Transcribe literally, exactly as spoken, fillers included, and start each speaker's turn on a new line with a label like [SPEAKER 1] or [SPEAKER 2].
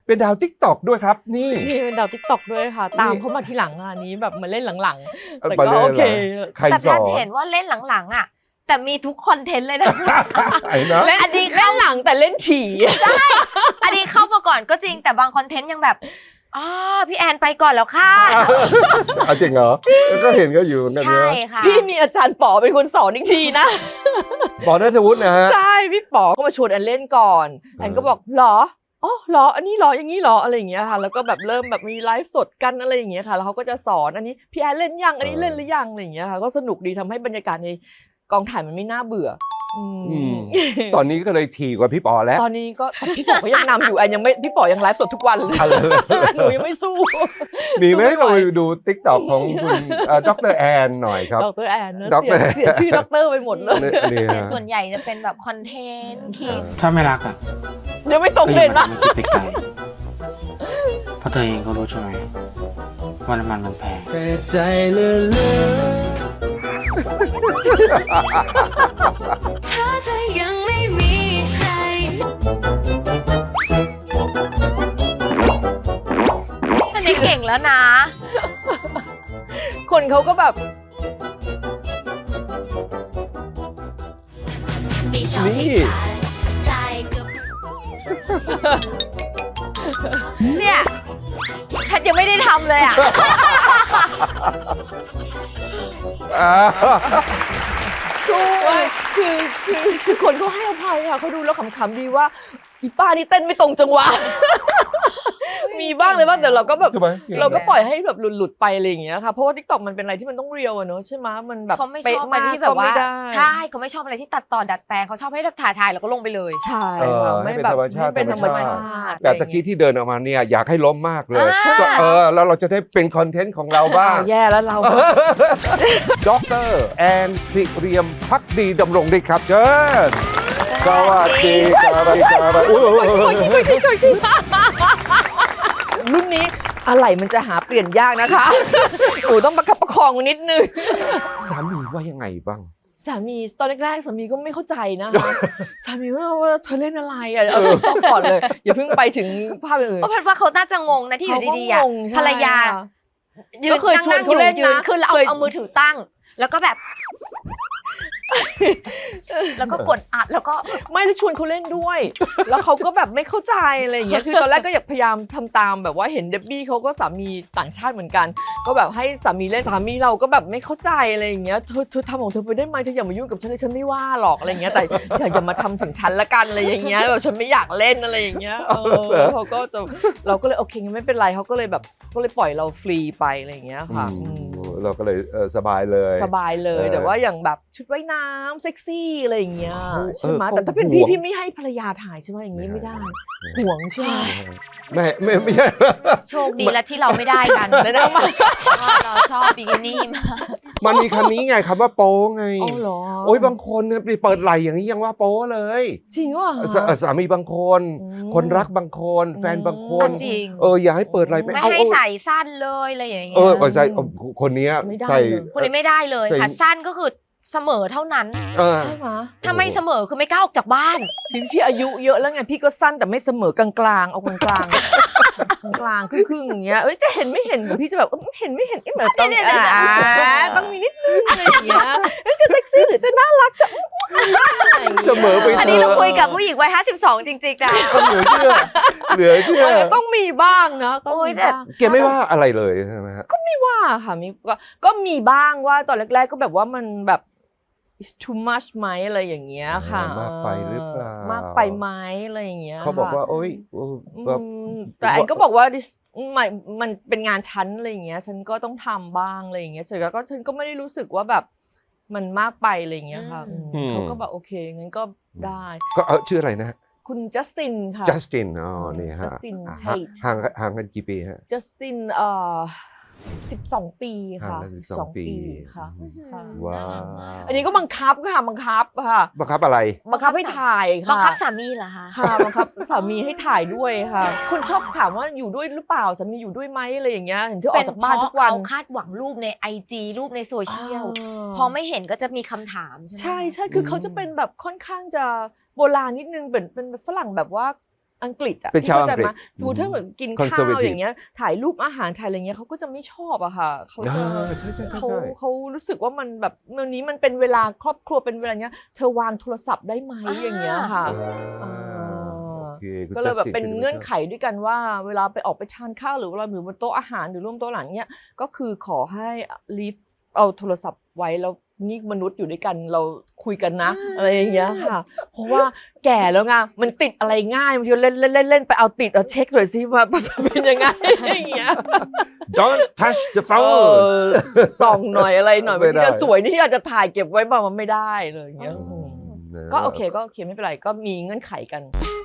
[SPEAKER 1] เป็นดาวติ๊กต็อกด้วยครับนี่
[SPEAKER 2] นี่เป็นดาวติ๊กต็อกด้วยค่ะตามเขามาทีหลังอันนี้แบบมาเล่นหลังๆแต่ก็โอเค
[SPEAKER 3] แต่แพทย์เห็นว่าเล่นหลังๆอ่ะแต่มีทุกคอนเทนต์เลยนะ
[SPEAKER 1] ไอ้นะ
[SPEAKER 2] เล่นอันนี้เล่นหลังแต่เล่นถี่
[SPEAKER 3] ใช่อันนี้เข้ามาก่อนก็จริงแต่บางคอนเทนต์ยังแบบอ๋อพี่แอนไปก่อนแล้วค่ะ
[SPEAKER 1] จริงเหรอก็เห็นก็อยู่นั่น
[SPEAKER 3] ใช่ค่ะ
[SPEAKER 2] พี่มีอาจารย์ป๋อเป็นคนสอนอีกทีนะ
[SPEAKER 1] ป๋อณัฐวุฒินะฮะ
[SPEAKER 2] ใช่พี่ป๋อก็มาชวนแอนเล่นก่อนแอนก็บอกหรออ๋อหรออันนี้หรออย่างนี้หรออะไรอย่างเงี้ยค่ะแล้วก็แบบเริ่มแบบมีไลฟ์สดกันอะไรอย่างเงี้ยค่ะแล้วเขาก็จะสอนอันนี้พี่แอนเล่นยังอันนี้เล่นหรือยังอะไรอย่างเงี้ยค่ะก็สนุกดีทำให้บรรยากาศในกองถ่ายมันไม่น่าเบื่อ
[SPEAKER 1] ตอนนี้ก็เลยถี่กว่าพี่ป๋อแล้ว
[SPEAKER 2] ตอนนี้ก็พี่ป๋อก็ยังนำอยู่แอนยังไม่พี่ป๋อยังไลฟ์สดทุกวันเลยหนูยังไม่สู้
[SPEAKER 1] มีไหมเราไปดูติ๊กต็อกของคุณดรแอนหน่อยครับ
[SPEAKER 2] ดรแอนเสียชื่อดรไปหมดเลย
[SPEAKER 3] แต่ส่วนใหญ่จะเป็นแบบคอนเทนต์คลิป
[SPEAKER 4] ถ้าไม่รักอ่ะ
[SPEAKER 2] ยังไม่ตรงเลยนะ
[SPEAKER 4] คิดไปไกลเพราะเธอเองก็รู้ใช่ไหมว่าน้ำมันมันแพงเสียใจเลย
[SPEAKER 3] ถ้าเธอยังไม่มีใครแสดงเก่งแล้วนะ
[SPEAKER 2] คนเขาก็แบบ
[SPEAKER 1] นี่
[SPEAKER 3] เนี่ยแพทย์ยังไม่ได้ทำเลยอ่ะ
[SPEAKER 2] คือคือคือคนเขาให้อภัยค่ะเขาดูแล้วขำๆดีว่าอีป้านี่เต้นไม่ตรงจังหวะมีบ้างเลยว่าแต่เราก็แบบเราก็ปล่อยให้แบบหลุดๆไปอะไรอย่างเงี้ยค่ะเพราะว่า TikTok มันเป็นอะไรที่มันต้องเรียวอะเนอะใช่ไหมมันแบบ
[SPEAKER 3] เขาไม่ชอบอะไรที่แบบว่าใช่เขาไม่ชอบอะไรที่ตัดต่อดัดแปลงเขาชอบให้ถ่ายถ่ายแล้วก็ลงไปเลย
[SPEAKER 2] ใช่ไม่แบบไม่เป็นธรรมชาติ
[SPEAKER 1] แต่ตะกี้ที่เดินออกมาเนี่ยอยากให้ล้มมากเลยเออแล้วเราจะได้เป็นคอนเทนต์ของเราบ้าง
[SPEAKER 2] แย่แล้วเรา
[SPEAKER 1] ดรแอนสิเรียมภักดีดำรงฤทธิ์ครับเชิญสวัสดีครับ
[SPEAKER 2] รุ่นนี้อะไรมันจะหาเปลี่ยนยากนะคะหนูต้องประคับประคองนิดนึง
[SPEAKER 1] สามีว่ายังไงบ้าง
[SPEAKER 2] สามีตอนแรกๆสามีก็ไม่เข้าใจนะคะสามีว่าเธอเล่นอะไรอ่ะเออต้องก่อนเลยอย่าเพิ่งไปถึงภาพอื่น
[SPEAKER 3] เพราะว่าเขาน่าจะงงนะที่อยู่ดีๆอ่ะภรรยายืนนั่งอยู่ยืนขึ้นแล้วเอาเอามือถือตั้งแล้วก็แบบแล้วก็กดอัดแล้วก็
[SPEAKER 2] ไม่ได้ชวนเขาเล่นด้วยแล้วเขาก็แบบไม่เข้าใจอะไรอย่างเงี้ยคือตอนแรกก็อยากพยายามทำตามแบบว่าเห็นเดบบี้เขาก็สามีต่างชาติเหมือนกันก็แบบให้สามีเล่นสามีเราก็แบบไม่เข้าใจอะไรอย่างเงี้ยเธอเธอทำของเธอไปได้ไหมเธออย่ามายุ่งกับฉันเลยฉันไม่ว่าหรอกอะไรอย่างเงี้ยแต่อยากจะมาทำถึงฉันละกันอะไรอย่างเงี้ยแบบฉันไม่อยากเล่นอะไรอย่างเงี้ยเออเขาก็จะเราก็เลยโอเคงั้นไม่เป็นไรเขาก็เลยแบบก็เลยปล่อยเราฟรีไปอะไรอย่างเงี้ยค่ะ
[SPEAKER 1] เราก็เลยสบายเลย
[SPEAKER 2] สบายเลยแต่ว่าอย่างแบบชุดว่ายน้ำเซ็กซี่อะไรอย่างเงี้ยใช่ไหมแต่ถ้าเป็นพี่พี่ไม่ให้ภรรยาถ่ายใช่ไหมอย่างงี้ไม่ได้ห่วงใช่ไหม
[SPEAKER 1] ไม่ไม่ไม่ใช่
[SPEAKER 3] โชคดีแล้วที่เราไม่ได้กัน
[SPEAKER 2] เลยนะมา
[SPEAKER 3] เราชอบบิกินี่มา
[SPEAKER 1] มันมีคำนี้ไงคำว่าโป๊ไง
[SPEAKER 2] อ๋อเหรอ
[SPEAKER 1] โอ้ยบางคนเนี่ยเปิดไหล่อย่างนี้ยังว่าโป๊เลย
[SPEAKER 2] จริงว่ะ
[SPEAKER 1] สามีบางคนคนรักบางคนแฟนบางคนเอออย่าให้เปิดไหล่
[SPEAKER 3] ไม่ให้ใส่สั้นเลยอะไรอย่างเงี้ย
[SPEAKER 1] เออใส่คนนี้ใส่
[SPEAKER 3] คนนี้ไม่ได้เลยค่ะสั้นก็คือเสมอเท่านั้น
[SPEAKER 2] ใช่ไหม
[SPEAKER 3] ถ้าไม่เสมอคือไม่กล้าออกจากบ้าน
[SPEAKER 2] พี่พี่อายุเยอะแล้วไงพี่ก็สั้นแต่ไม่เสมอกลางๆเอากลางกลางกลางครึ่งๆอย่างเงี้ยเอ้ยจะเห็นไม่เห็นพี่จะแบบเห็นไม่เห็นเหมือนต้องต้องมีนิดนึงอะไรอย่างเงี้ยจะเซ็กซี่หรือจะน่ารักจะ
[SPEAKER 1] เสมอไป
[SPEAKER 3] อันนี้เราคุยกับผู้หญิงวัยห้าสิบสองจริงๆนะ
[SPEAKER 1] เหลือเชื่อเหลือเชื่อ
[SPEAKER 2] ต้องมีบ้างนะ
[SPEAKER 1] โอ้ยแต่แกไม่ว่าอะไรเลยใช่ไหมฮะ
[SPEAKER 2] ก็ไม่ว่าค่ะมีก็ก็มีบ้างว่าตอนแรกๆก็แบบว่ามันแบบ too much ไหมอะไรอย่างเงี้ยค่ะ
[SPEAKER 1] มากไปหรือเปล่าม
[SPEAKER 2] ากไปไหมอะไรอย่างเงี้ย
[SPEAKER 1] เขาบอกว่าโอ๊ย
[SPEAKER 2] แต่อันก็บอกว่ามันมันเป็นงานชั้นอะไรอย่างเงี้ยฉันก็ต้องทำบ้างอะไรอย่างเงี้ยเสร็จแล้วก็ฉันก็ไม่ได้รู้สึกว่าแบบมันมากไปอะไรอย่างเงี้ยค่ะเขาก็แบบโอเคงั้นก็ได้
[SPEAKER 1] ก็เออชื่ออะไรนะ
[SPEAKER 2] คุณจัสตินค่ะ
[SPEAKER 1] จัสตินอ๋อนี่ฮะห่างห่างกันกี่ปีฮะ
[SPEAKER 2] จัสตินเอ่อสิบสองปีค่ะสิบสองปีค่ะ
[SPEAKER 1] ว้าว
[SPEAKER 2] อันนี้ก็บังคับค่ะบังคับค่ะ
[SPEAKER 1] บังคับอะไร
[SPEAKER 2] บังคับให้ถ่ายค่ะ
[SPEAKER 3] บังคับสามีเหรอคะ
[SPEAKER 2] ค่ะบังคับสามีให้ถ่ายด้วยค่ะคนชอบถามว่าอยู่ด้วยหรือเปล่าสามีอยู่ด้วยไหมอะไรอย่างเงี้ยเห็นที่ออกจากบ้านทุกวัน
[SPEAKER 3] เขาคาดหวังรูปในไอจีรูปในโซเชียลพอไม่เห็นก็จะมีคำถามใช่ไหม
[SPEAKER 2] ใช่ใช่คือเขาจะเป็นแบบค่อนข้างจะโบราณนิดนึงเป็นเป็นฝรั่งแบบว่าอังกฤษอ่ะ
[SPEAKER 1] เป็นชาวอังกฤษ
[SPEAKER 2] เข้ใจไหมสมมติถ้าเหมือนกินข้าว
[SPEAKER 1] Conservative
[SPEAKER 2] อย่างเงี้ยถ่ายรูปอาหารถ่ายอะไรเงี้ยเขาก็จะไม่ชอบอะค่ะเขาจะ
[SPEAKER 1] อ่าใช่ใช่ใช่
[SPEAKER 2] เขา
[SPEAKER 1] ใช่
[SPEAKER 2] เขารู้สึกว่ามันแบบวันนี้มันเป็นเวลาครอบครัวเป็นเวลาเนี้ยเธอวางโทรศัพท์ได้ไหมอย่างเงี้ยค่ะ
[SPEAKER 1] อ่าโอเคคุณ
[SPEAKER 2] ก็เลยแบบ
[SPEAKER 1] Justin
[SPEAKER 2] เป็น
[SPEAKER 1] คุณ
[SPEAKER 2] เงื่อนไขด้วยกันว่าเวลาไปออกไปทานข้าวหรือเวลาอยู่บนโต๊ะอาหารหรือร่วมโต๊ะหลังเนี้ยก็คือขอให้ leave เอาโทรศัพท์ไว้แล้วนี่มนุษย์อยู่ด้วยกันเราคุยกันนะอะไรอย่างเงี้ยค่ะ เพราะว่าแก่แล้วไงมันติดอะไรง่ายบางทีเล่นเล่นเล่นเล่นไปเอาติดเอาเช็คหน่อยสิว่าเป็นยังไงอย่างเงี้ย
[SPEAKER 1] Don't touch the
[SPEAKER 2] เอ
[SPEAKER 1] phone
[SPEAKER 2] อส่องหน่อยอะไรหน่อย
[SPEAKER 1] ไม่
[SPEAKER 2] บาง
[SPEAKER 1] ได้
[SPEAKER 2] ทีจะสวยนี่อาจจะถ่ายเก็บไว้บ้างมันไม่ได้เลยอย่างเงี้ย
[SPEAKER 1] อืม
[SPEAKER 2] ก็โอเคก็โอเคไม่เป็นไรก็มีเงื่อนไขกัน
[SPEAKER 1] โ